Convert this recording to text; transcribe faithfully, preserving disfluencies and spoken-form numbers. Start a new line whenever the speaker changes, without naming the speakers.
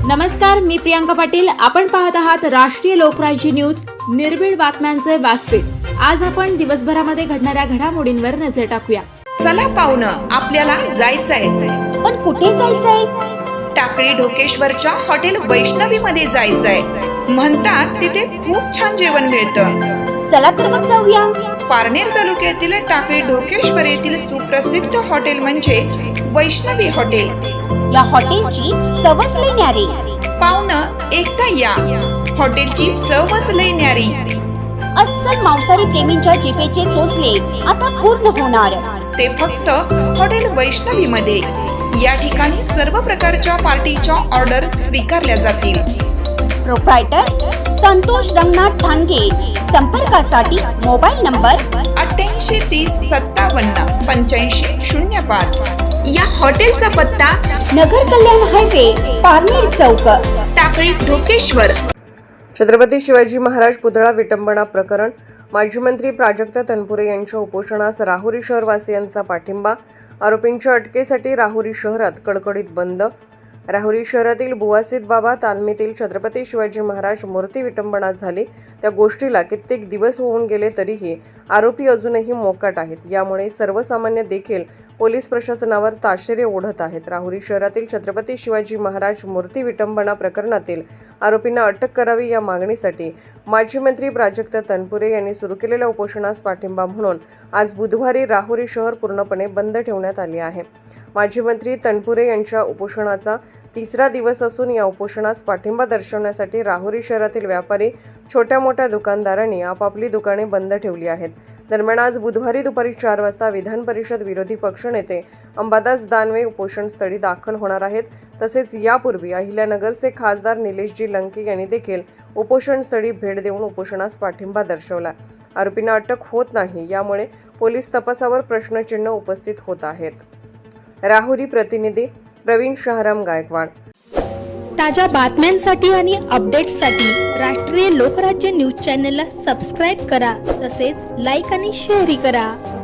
नमस्कार, मी प्रियांका पाटील. आपण पाहत आहात राष्ट्रीय लोकराज्य न्यूज, निर्भीड बातम्यांचे व्यासपीठ. आज आपण दिवसभरामध्ये घडणाऱ्या घडामोडींवर नजर टाकूया.
चला पाहुणं, आपल्याला जायचंय.
पण कुठे जायचंय?
टाकळी ढोकेश्वरच्या हॉटेल वैष्णवी मध्ये जायचंय. म्हणतात तिथे खूप छान जेवण मिळतं.
चला तर मग जाऊया.
पारनेर तालुक्यातील टाकळी ढोकेश्वर येथील सुप्रसिद्ध हॉटेल म्हणजे वैष्णवी हॉटेल.
या हॉटेलची चवच लई न्यारी.
पाहुणं, एकदा या. हॉटेलची चवच लई न्यारी.
अस्सल मांसाहारी प्रेमींच्या जिभेचे चोचले आता पूर्ण होणार.
ते फक्त हॉटेल वैष्णवी मध्ये. या ठिकाणी सर्व प्रकारच्या पार्टीच्या ऑर्डर स्वीकारल्या जातील.
प्रोप्रायटर संतोष रंगनाथ ठाणगे. संपर्कासाठी मोबाईल नंबर
अठ्ठ्याऐंशी तीस सत्तावन्न पंच्याऐंशी शून्य पाच. या हॉटेलचा पत्ता
नगर कल्याण हायवे, पारनेर चौक,
टाकळी ढोकेश्वर.
छत्रपती शिवाजी महाराज पुतळा विटंबना प्रकरण. माजी मंत्री प्राजक्त तनपुरे यांच्या उपोषणास राहुरी शहरवासियांचा पाठिंबा. आरोपींच्या अटकेसाठी राहुरी शहरात कडकडीत बंद. राहुरी शहरातील बुवासीत बाबा तालमीतील छत्रपती शिवाजी महाराज मूर्ती विटंबना झाली त्या गोष्टीला कित्येक दिवस होऊन गेले तरीही आरोपी अजूनही मोकाट आहेत. यामुळे सर्वसामान्य देखील पोलीस प्रशासनावर ताशेरे ओढत आहेत. राहुरी शहरातील छत्रपती शिवाजी महाराज मूर्ती विटंबना प्रकरणातील आरोपींना अटक करावी या मागणीसाठी माजी मंत्री प्राजक्त तनपुरे यांनी सुरू केलेल्या उपोषणास पाठिंबा म्हणून आज बुधवारी राहुरी शहर पूर्णपणे बंद ठेवण्यात आले आहे. माजी मंत्री तनपुरे यांच्या उपोषणाचा तिसरा दिवस असून या उपोषणास पाठिंबा दर्शवण्यासाठी राहुरी शहरातील व्यापारी, छोट्या मोठ्या दुकानदारांनी आपापली दुकाने बंद ठेवली आहेत. दरम्यान आज बुधवारी दुपारी चार वाजता विधान परिषद विरोधी पक्षनेते अंबादास दानवे उपोषणस्थळी दाखल होणार आहेत. तसेच यापूर्वी अहिल्यानगरचे खासदार निलेशजी लंके यांनी देखील उपोषणस्थळी भेट देऊन उपोषणास पाठिंबा दर्शवला. आरोपींना अटक होत नाही, यामुळे पोलीस तपासावर प्रश्नचिन्ह उपस्थित होत आहेत. राहुरी प्रतिनिधी प्रवीण शहाराम गायकवाड.
ताज्या बातम्यांसाठी आणि अपडेट्ससाठी राष्ट्रीय लोकराज्य न्यूज चॅनलला सबस्क्राईब करा. तसेच लाईक आणि शेअरही करा.